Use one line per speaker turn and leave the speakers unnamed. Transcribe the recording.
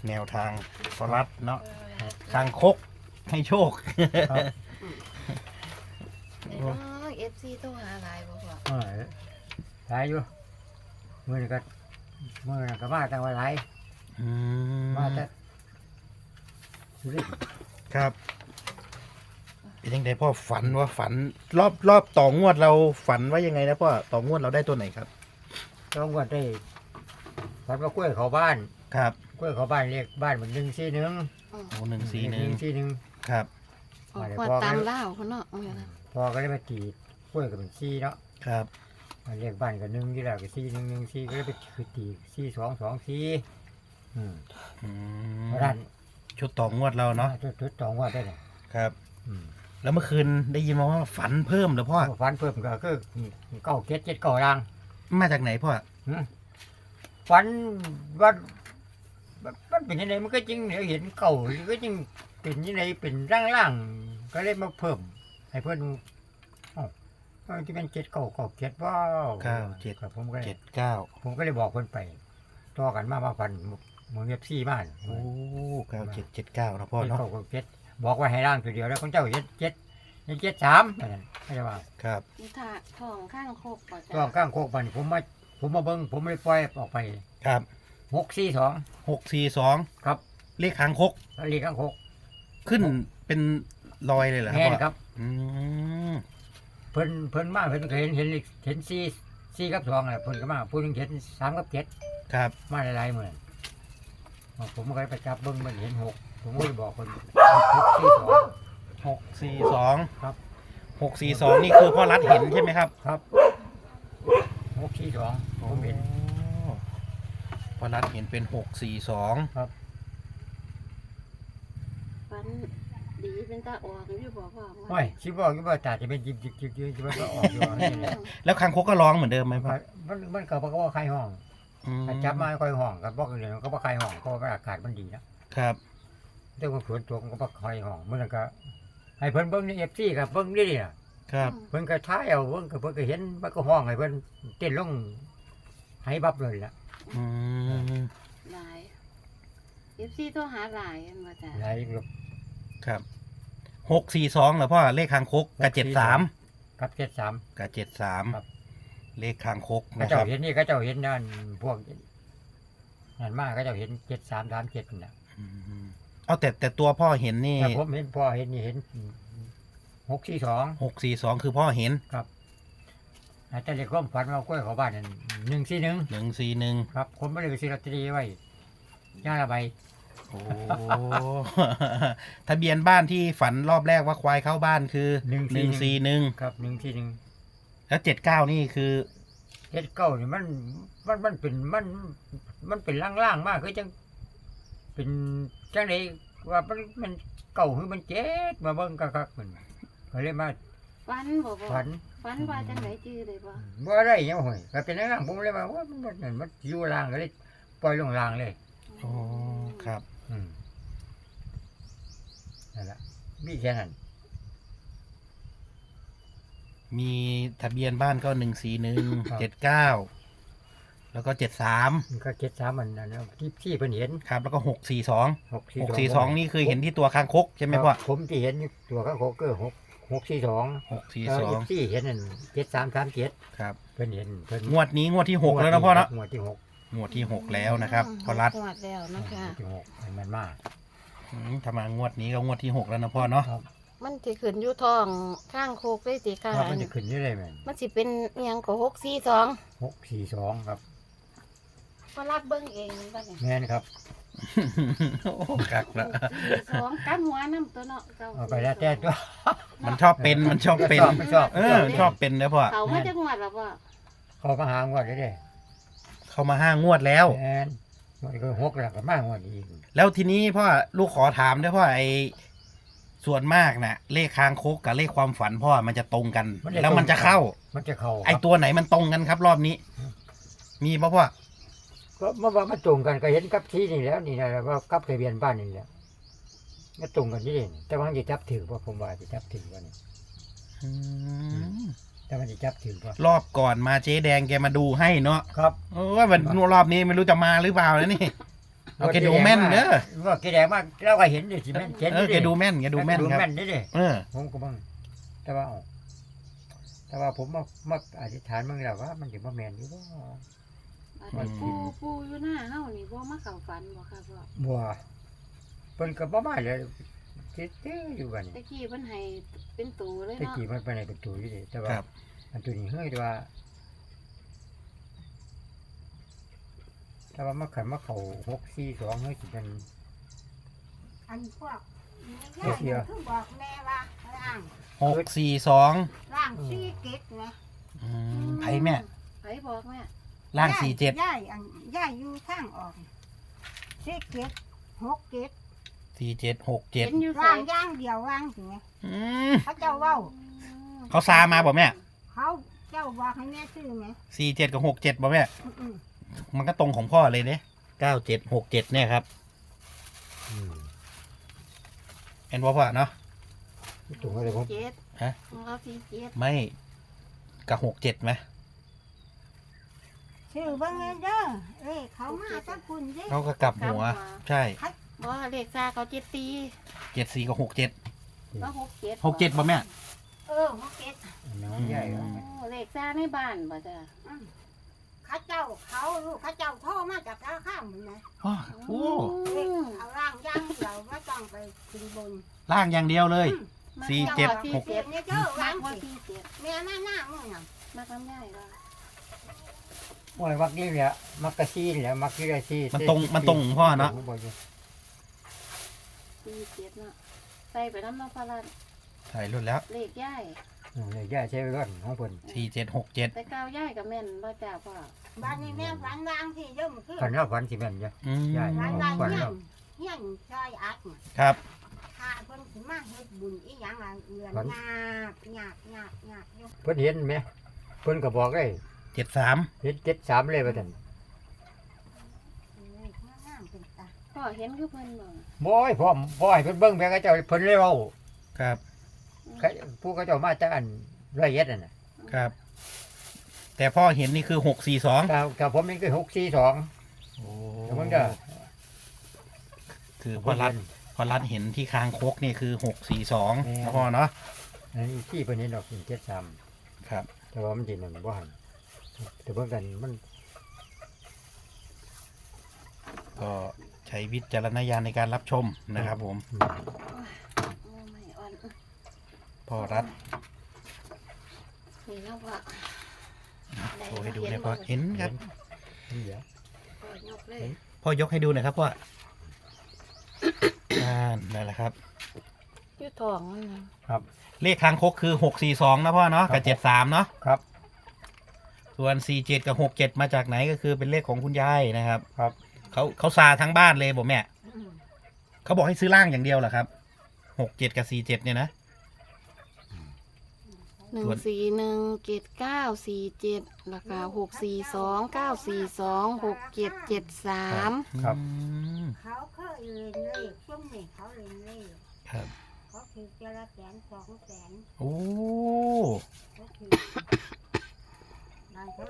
แนวทางพอรัดเนาะคางคกให้โชค
ครับ
เอฟซีโทรหาหลายบ่พ่อ
หลายอยู่มือนี่ก็มาตั้งไว้หลาย
อืม
มาแต่สุรินทร์
ครับเป็นยังไงพ่อฝันว่าฝันรอบต่องวดเราฝันว่ายังไงนะพ่อต่องวดเราได้ตัวไหนครับ
ต้องว่าได้ฝันว่ากล้วยเขาบ้าน
ครับ
กล้วยเขาบ้านเรียกบ้านเหมือน141
โอ้141ครับ
ออกว่าตามเล่าเขาเนาะเอาอย่างนั้น
พอก็ได้มาตีกล้วยก็เป็น4เนาะ
ครับ
เรียกบ้านก็1ที่แล้วก็4114ก็ได้ไปคือตี4224
อืม
เพราะนั้น
ชุดต่องวดเราเนาะ
จุด2ว่าได้เนี่ย
ครับ แล้วเมื่อคืนได้ยินมาว่าฝันเพิ่มเหรอพ่อ
ฝันเพิ่มก็คือเก้าเจ็ดเจ็ดเก้ารัง
มาจากไหนพ่อ
ฝันว่ามันเป็นยังไงมันก็จริงเดี๋ยวเห็นเก่าก็จริงเป็นยังไงเป็นร่างๆก็เลยมาเพิ่มให้เพื่อนที่เป็นเจ็ดเก้าเจ็ดว้าว
97
ครับผมก็เลย
79
ผมก็เลยบอกเพื่อนไปต่อกันมาฝันมึงเงียบซี่บ้าน
โอ้9779นะพ่อ
เจ็ด
เนาะ
เก้าเจ็ดบอกว่าให้ร่างตัวเดียวแล้วคนเจ้า73ไม่ใช่ว่า
ครับ
ถ้าท้องข้างโคกก่อน
ตัวข้างโคกมันผมมาเบิ้งผมไม่ปล่อยออกไป
ครับ
642 ครับ
เลขคางคก
แล้วลีข้างโคก
ขึ้นเป็นรอยเลยเหรอ
แม่น
พ่อ
ครับ
อืม
เพิ่นมาเพิ่นก็เห็น4กับ2น่ะเพิ่นก็มาผู้หนึงเห็น3กับ7
ครับ
มาหลายๆมื้อผมก็ไปจับเบิ่งมันเห็น6ผมก็เลยบอกเพิ่น
642
ครับ
642นี่คือพ่อรัดเห็นใช่ไหมครับ
ครับ642ผมเห็น
โอ้พ่อรัดเห็นเป็น642
ฟันดีเป็นตาออกอยู่บ่พ่อ
โอ้ยสิบอกอยู่ว่าตาจะเป็นจิบๆมันก็ออกอยู่ว่านี่แหละ
แล้วคางคกก็ร้องเหมือนเดิมไหมพ่อ
มันก็บ่ว่าใครห้อง
อืม
ถ้าจับมาค่อยห้องก็บ่เลยก็บ่ใครห้องเพราะว่าอากาศมันดีนะครับ แต่ว่าฝนตกมันก็บ่ใครห้องมื้อนั้นก็ให้เพิ่นเบิ่งใน FC ครับเบิ่งนี่น่ะ
ครับ
เพิ่นก็ท้ายเอาเพิ่นก็เห็นมันก็ห้องให้เพิ่นเต้นลงให้บับเลยล่ะ
อืม
หลายเอฟซีโทรหาหลายอันว่าจ้ะ
หลายลูก
ครับ642เหรอพ่อเลขคางคกกับ73
กับ73
กับ
ครับ
73เลขคางคก
ก็
นะค
เจ้า
รับ
เห็นนี่ก็เจ้าเห็นนั่นพวกนั่นมาก็เจ้าเห็น7337น่ะ
อืมเอาแต่ตัวพ่อเห็นนี่
แต่ผมเห็นพ่อเห็นนี่เห็น642
642คือพ่อเห็น
อาจจะเรียกความฝันว่ากล้วยเขาบ้านนั่น141
141
ครับผมบ่ได้ไปซื้อลอตเตอรี่ไว้ย่างละใบ
โอ้ ทะเบียนบ้านที่ฝันรอบแรกว่าควายเข้าบ้านคือ141
ครับ141
แล้ว79นี่คือ
เฮ็ดเก้านี่มันเป็นล่างๆมากคือจังเป็นจังไดว่ามันเก่าคือมันเจ็ดมาเบิ่งคักๆมันก็เลยมา
ฟันบ่พ่อ
ฝัน
ฟันว่าจังไหนจื้อได้บ่
บ่ได้หยังห้อยก็เป็นล่างๆผมเลยว่าว่ามันอยู่ล่างก็เลยปล่อยลงล่างเลย
โอ้ครับ
อืมนั่นล่ะมีแค่นั้น
มีทะเบียนบ้านก็141 79แล้วก็73
มันก็73มันนั่นนะที่เพิ่นเห็น
ครับแล้วก็642
642
นี่คือเห็นที่ตัวคางคกใช่ไหมพ่อ
ผมที่เห็นอยู่ตัวข้างโคกเกอร์642
642
ที่เห็นนั่น7337
ครับ
เพิ่นเห็นเพิ่น
งวดนี้งวดที่ 6 แล้วนะพ่อเนาะ
งวดที่6
งวดที่ 6 แล้วนะครับพ่อรัด
งวดแล้วนะคะ
งวดที่6ให้มันมาก
ถ้ามางวดนี้ก็งวดที่ 6 แล้วนะพ่อเนาะ
ครับ
มันสิขึ้นอยู่ท้องข้างโคกได้ติค่ะ
ครับมันจะขึ้นนี่เลยแม่น
มันสิเป็นอิหยังก็642
642ครับ
ก็รัดเบิ่งเองบ่เนี่ย
แม่นครับ
โอ้กักละ
642กันหัวน้ำตัวเนาะเก้า
เอาไปแล้วแต่ตัว
มันชอบเป็นมันชอบเป็น
ไม่ชอบ
ชอบเป็นนะพ่อ
เขามาจากงวดแล้วพ่อ
เขามาหางวดได้เด้
เข้ามา5 งวดแล้ว
แม่นงวดก็6แล้วก็มางวดอีก
แล้วทีนี้พ่อลูกขอถามด้วยพ่อไอ้ส่วนมากน่ะ เลขคางคกกับเลขความฝันพ่อมันจะตรงกัน แล้วมันจะเข้า
มันจะเข้า
ไอ้ตัวไหนมันตรงกันครับ รอบนี้ มีป่ะพ่อ
ก็เมื่อวานมันตรงกันก็เห็นกับที่นี่แล้วนี่นะว่ากับทะเบียนบ้านนี่แหละก็ตรงกันนี่เองแต่ว่ามันจะจับถือว่าผมว่าจะจับถือว่านี่
อืม
แต่มันจะจับถือว่าร
อบก่อนมาเจ๊แดงแกมาดูให้เนาะ
ครับ
ว่ามันรอบนี้ไม่รู้จะมาหรือเปล่านะนี่เอาแกดูแม่นเด้อ
ว่าแกแดงมากเราก็เห็นดิสิแม่นเห็น
แกดูแม่นแกดูแม่น
ดู
ครับ
แม่นได้ดิ
เออ
ผมก็บ้างแต่ว่าผมมาอธิษฐานบ้างแล้วว่ามันจะมาแม่นอยู่บ่
อันนี้ปูอยู่หน้าเฮานี่บ่มาเข้าฝันบ่ค่ะพ่อ
บัวเพิ่นก็บ่มาเลยเจ๊อยู่บัดนี้
ตะกี้เพิ่นให้เป็นตูเลย
ตะ
เนาะ
กี้มันไปในประตูอยู่ดิแต่ว่า
ครับ
อันตัวนี้เฮ้ยแต่ว่ามาขันมาเข้า642เฮ้ยสิเป็น
อันพวกแม่ย่าคือบอกแม่ว่าร่าง
642
ร่างซี่เก็ดนะ
ไผแม่
ไผบอกแม่
ล่าง47
ย่ายอันย่ายอยู่ทางออกซี่เก็ด6เก็ด
4767
เห็นอยู่ไส
ร่างย่างเดียวร่างถึงไง
อืม
เขาเจ้าเว้า
เขาซามาบ่แม่
เขาเจ้าบอกให้แม่ซื้อไหม
47กับ67บ่แม่
อืม
มันก็ตรงของพ่อเลยเด้9767เนี่ยครับเห็นบ่พ่อเนาะ
ตรงอะไรผม
เจ็ด
ฮะ
เราสี่เจ็ด
ไม่กับ67ไหม
ซื้อเบิ่งเด้อเอ้ยเขามาตั้งคุณเด้
เขาก็กลับหัว ใช่
บ่เลขซาเขาเจ็ดตี
74กับ67
ก็หกเจ็ด
67บ่แม่
6เก็ด
น้องใหญ่
โอ้เลขซาในบ้านบ่จ้ะ
เขาเจ้าเขาลูกเขาเจ้าโทรมาจากราข้ามนะ
อ้อโอ้
เอาร่างย่างเดียวไม่ต้องไปขึ้นบน
ล่างอย่างเดียวเลย
มา
สี่
เจ็ด
ห
ห
ก
ก
เก็บเนี่ยเด้อ
มาว
าง
ว่า
สิ
สี่เจ็ด
แม่มาหน้ามึงน่ะ
มาทำได้ว่า
โอ้ยมักนี่แหละมักกะซีนี่แหละมักที่ได้ซี
มันตรงของพ่อเนาะ
สี่เจ็ดเนาะใส่ไปน้ำน้ำพลัน
ถ่ายรุ่นแล้ว
เลขย่าย
เลยย่าใช้รถของเพิ่น
4767
แต่ก้าวย่ายกับแม่นบ่จ้าพ่อ
บ้านนี้แม่ฝันวางที่เยิ่มคือ
ฝันว่าฝันสิแม่นจ้ะ
อืม
ใช่
ฝันวาง
ฝัน
เฮีย
แล้ว
นเฮียนซอยอัดเนี่ย
ครับ
ถ้าเพิ่นสิมาเฮ็ดบุญอีหยังล่ะเอือนงาบอยู่
เพิ่นเห็นไหมเพิ่นก็บอกเลย
73
เห็น73เลยว่าซั่น
เอ้ยงามเป็นตา
พ่อเห็นคือเพิ่นบ่
บ่ให้พ่อให้เพิ่นเบิ่งแม่ก็เจ้าเพิ่นเลยเว้า
ครับ
ผู้เขาเจ้ามาจากอันร้อยเอ็ดนั่นน่ะ
ครับ แต่พ่อเห็นนี่คือ642
กับผมนี่คือ642
โอ้
เดี๋ยวมึงเด้อ
คือพ่อรัดเห็นที่คางคกนี่คือ642นะพ่อเนาะ
อันนี้ที่เพิ่นเห็นดอก73
ครับ
แต่ว่ามันสินั่นบ่หันแต่เบิ่งกันมัน
ก็ใช้วิจารณญาณในการรับชมนะครับผม
โอ้ไม่อ่อน
พ่อรัด
นี่เนาะพ่อ
โชว์ให้ดูเลยพ่อเห็นครับ
เดี๋ยว
พ่อยกเลย
พ่อยกให้ดูหน่อยครับพ่อ นั่นแหละครับ
อยู่ท้องมันน่ะ
เลขคางคกคือ642นะพ่อเนาะกับ73เนาะ
ครับ
ส่วน47กับ67มาจากไหนก็คือเป็นเลขของคุณยายนะครับ
ครับ
เขาซาทั้งบ้านเลยบอกแม่
อืม
เขาบอกให้ซื้อล่างอย่างเดียวเหรอครับ67กับ47เนี่ยนะ
1417947แล้วก็6429429426773
ครับ
อืม
เขาเคยเรียนเลขช่วงนี้เขาเรียนเลข
ครับ
เขาถือเจละ100,000 200,000
โอ้
เขาถือนั่นเขา